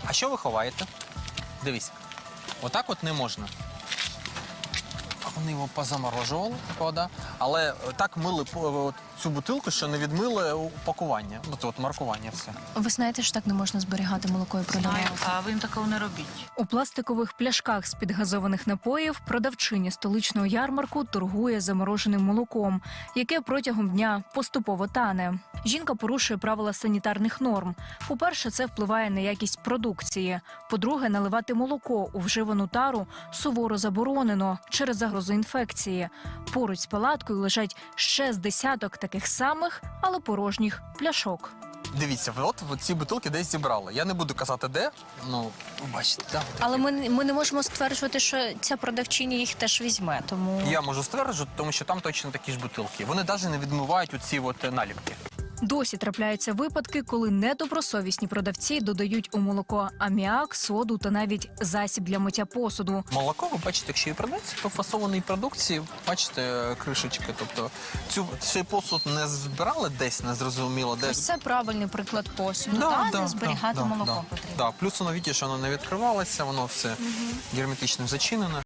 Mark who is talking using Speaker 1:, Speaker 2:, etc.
Speaker 1: А що ви ховаєте? Дивись, отак от не можна. Вони його позаморожували, правда, але так мили цю бутилку, що не відмили упакування, от маркування все.
Speaker 2: Ви знаєте, що так не можна зберігати молоко і продавати?
Speaker 3: А ви такого не робіть.
Speaker 2: У пластикових пляшках з-під газованих напоїв продавчиня столичного ярмарку торгує замороженим молоком, яке протягом дня поступово тане. Жінка порушує правила санітарних норм. По-перше, це впливає на якість продукції. По-друге, наливати молоко у вживану тару суворо заборонено через загрозу інфекції. Поруч з палаткою лежать ще з десяток таких самих, але порожніх пляшок.
Speaker 1: Дивіться, ви от ці бутилки десь зібрали. Я не буду казати, де, ну, ви бачите, так.
Speaker 2: Але ми не можемо стверджувати, що ця продавчиня їх теж візьме, тому...
Speaker 1: Я можу стверджувати, тому що там точно такі ж бутилки. Вони навіть не відмивають оці от наліпки.
Speaker 2: Досі трапляються випадки, коли недобросовісні продавці додають у молоко аміак, соду та навіть засіб для миття посуду.
Speaker 1: Молоко, ви бачите, якщо і продається, то в фасованій продукції, бачите, кришечки. Тобто цей посуд не збирали десь, незрозуміло, де.
Speaker 2: Ось це правильний приклад посуду, де зберігати молоко потрібно.
Speaker 1: Да. Плюс воно, бачите, що воно не відкривалося, воно все герметично зачинене.